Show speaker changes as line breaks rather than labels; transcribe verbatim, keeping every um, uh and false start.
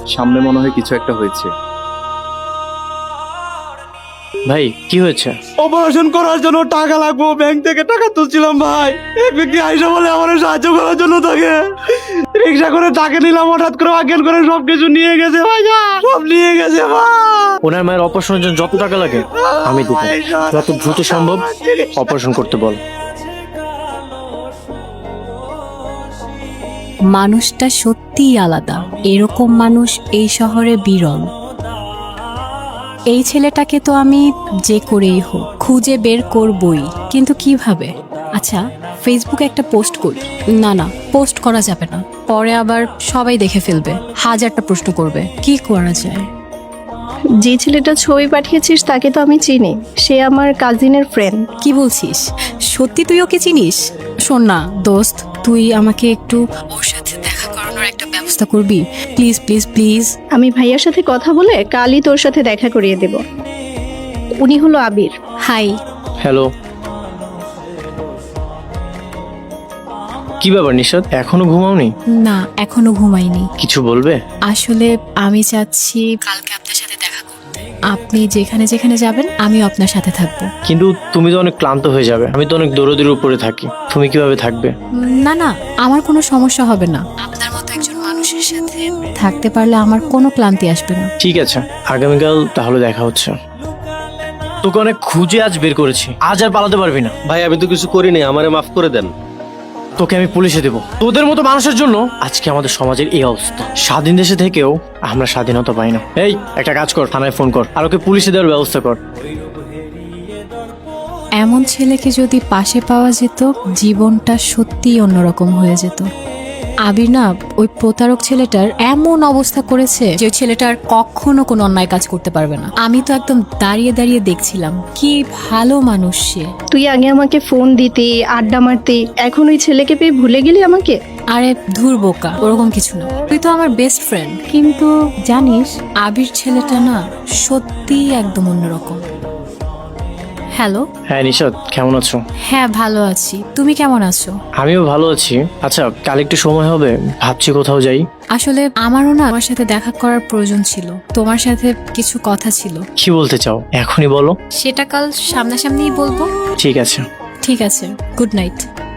সামনে মনে হয় কিছু একটা হয়েছে।
ভাই কি হয়েছে?
অপারেশন করার জন্য টাকা লাগবো, ব্যাংক থেকে টাকা তুলছিলাম ভাই। এক ব্যক্তি আইসা বলে আমার সাহায্য করার জন্য তাকে রিক্সা করে টাকা নিলাম, হঠাৎ করে অজ্ঞান করে সবকিছু নিয়ে গেছে ভাই, সব নিয়ে গেছে ভাই।
ওনার মায়ের অপারেশনের জন্য যত টাকা লাগে আমি দেবো, যত দ্রুত সম্ভব অপারেশন করতে বল।
মানুষটা সত্যিই আলাদা, এরকম মানুষ এই শহরে বিরল। এই ছেলেটাকে তো আমি যে করেই হোক খুঁজে বের করবই, কিন্তু কিভাবে? আচ্ছা, ফেসবুকে একটা পোস্ট করি। না না, পোস্ট করা যাবে না, পরে আবার সবাই দেখে ফেলবে, হাজারটা প্রশ্ন করবে। কি করা যায়?
যে ছেলেটা ছবি পাঠিয়েছিস তাকে তো আমি চিনি, সে আমার কাজিনের ফ্রেন্ড।
কি বলছিস? সত্যি তুই ওকে চিনিস? শোন না দোস্ত, তুই আমাকে একটু ওর সাথে দেখা করানোর একটা ব্যবস্থা করবি, প্লিজ প্লিজ প্লিজ।
আমি ভাইয়ার সাথে কথা বলে কালই তোর সাথে দেখা করিয়ে দেব। উনি হলো আবির।
হাই।
হ্যালো। কি ব্যাপার নিশাদ, এখনো ঘুমাওনি?
না, এখনো ঘুমাইনি।
কিছু বলবে?
আসলে আমি চাচ্ছি কালকে আপনার সাথে দেখা করতে। আপনি যেখানে যেখানে যাবেন আমিও আপনার সাথে থাকবো।
কিন্তু তুমি তো অনেক ক্লান্ত হয়ে যাবে, আমি তো অনেক দৌড়দৌড়ির উপরে থাকি, তুমি কিভাবে থাকবে?
না না, আমার কোনো সমস্যা হবে না। আপনার মতো একজন মানুষের সাথে থাকতে পারলে আমার কোনো ক্লান্তি আসবে না।
ঠিক আছে, আগামীকাল তাহলে দেখা হচ্ছে। তোকে অনেক খুঁজে আজ বের করেছি, আজ আর পালাতে পারবি না।
ভাই আমি তো কিছু করিনি, আমারে মাফ করে দেন।
তোকে আমি পুলিশে দেবো। তোদের মতো মানুষের জন্য আজকে আমাদের সমাজের এই অবস্থা। স্বাধীন দেশে থেকেও আমরা স্বাধীনতা পাই না। এই একটা কাজ কর, থানায় ফোন কর আর ওকে পুলিশে দেওয়ার ব্যবস্থা কর।
এমন ছেলেকে যদি পাশে পাওয়া যেত, জীবনটা সত্যিই অন্যরকম হয়ে যেত। আবির না, ওই প্রতারক ছেলেটার এমন অবস্থা করেছে যে ওই ছেলেটার কখনো কোনো অন্যায় কাজ করতে পারবে না। আমি তো একদম দাঁড়িয়ে দাঁড়িয়ে দেখছিলাম, কি ভালো মানুষ সে।
তুই আগে আমাকে ফোন দিতি, আড্ডা মারতি, এখন ওই ছেলেকে পেয়ে ভুলে গেলি আমাকে?
আরে ধুর বোকা, ওরকম কিছু না, তুই তো আমার বেস্ট ফ্রেন্ড। কিন্তু জানিস, আবির ছেলেটা না সত্যিই একদম অন্যরকম। হ্যালো।
হ্যাঁ নিশাদ, কেমন আছো?
হ্যাঁ ভালো আছি, তুমি কেমন আছো?
আমিও ভালো আছি। আচ্ছা, কাল একটু সময় হবে? ভাবছি কোথাও যাই।
আসলে আমারও না তোমার সাথে দেখা করার প্রয়োজন ছিল, তোমার সাথে কিছু কথা ছিল।
কি বলতে চাও এখনই বলো।
সেটা কাল সামনাসামনিই বলবো।
ঠিক আছে।
ঠিক আছে, গুড নাইট।